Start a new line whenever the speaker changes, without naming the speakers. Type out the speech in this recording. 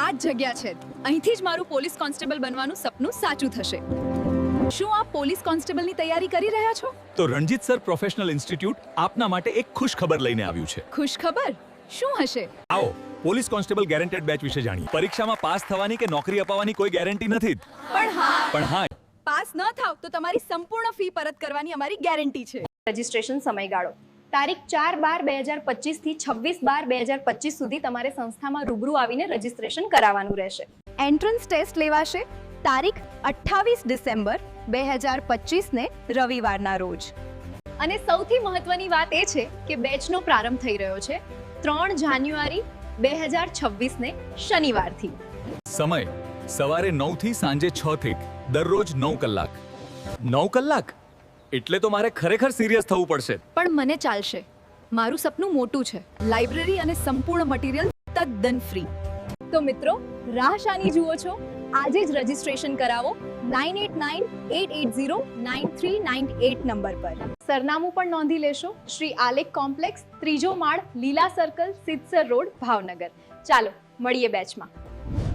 આ જ જગ્યા છે. અહીંથી જ મારું પોલીસ કોન્સ્ટેબલ બનવાનું સપનું સાચું થશે. શું આપ પોલીસ કોન્સ્ટેબલની તૈયારી કરી રહ્યા છો?
તો રણજીત સર પ્રોફેશનલ ઇન્સ્ટિટ્યૂટ આપના માટે એક ખુશ ખબર લઈને આવ્યું છે.
ખુશ ખબર શું હશે?
આવો પોલીસ કોન્સ્ટેબલ ગેરંટેડ બેચ વિશે જાણીએ. પરીક્ષામાં પાસ થવાની કે નોકરી અપાવવાની કોઈ ગેરંટી નથી પણ હા
પાસ ન થાવ તો તમારી સંપૂર્ણ ફી પરત કરવાની અમારી ગેરંટી છે.
રજિસ્ટ્રેશન સમયગાળો તારીખ 4/12/2025 થી 26/12/2025 સુધી તમારે સંસ્થામાં રૂબરૂ આવીને રજિસ્ટ્રેશન કરાવવાનું રહેશે.
એન્ટ્રન્સ ટેસ્ટ લેવાશે તારીખ 28 ડિસેમ્બર 2025 ને રવિવારના રોજ.
અને સૌથી મહત્વની વાત એ છે કે બેચનો પ્રારંભ થઈ રહ્યો છે 3 જાન્યુઆરી 2026 ને શનિવારથી.
સમય સવારે 9 થી સાંજે 6 થી દરરોજ 9 કલાક. 9 કલાક એટલે તો મારે ખરેખર સિરિયસ થવું પડશે.
પણ મને ચાલશે. મારું સપનું મોટું છે. લાઇબ્રેરી અને સંપૂર્ણ મટીરીયલ તદ્દન ફ્રી.
તો મિત્રો રાહ શાની જુઓ છો? આજે જ રજિસ્ટ્રેશન કરાવો 9898809398 નંબર પર. સરનામું પણ નોંધી લેશો. શ્રી આલેખ કોમ્પ્લેક્સ, 3જો માળ, લીલા સર્કલ, સિદ્ધસર રોડ, ભાવનગર. ચાલો મળીએ બેચમાં.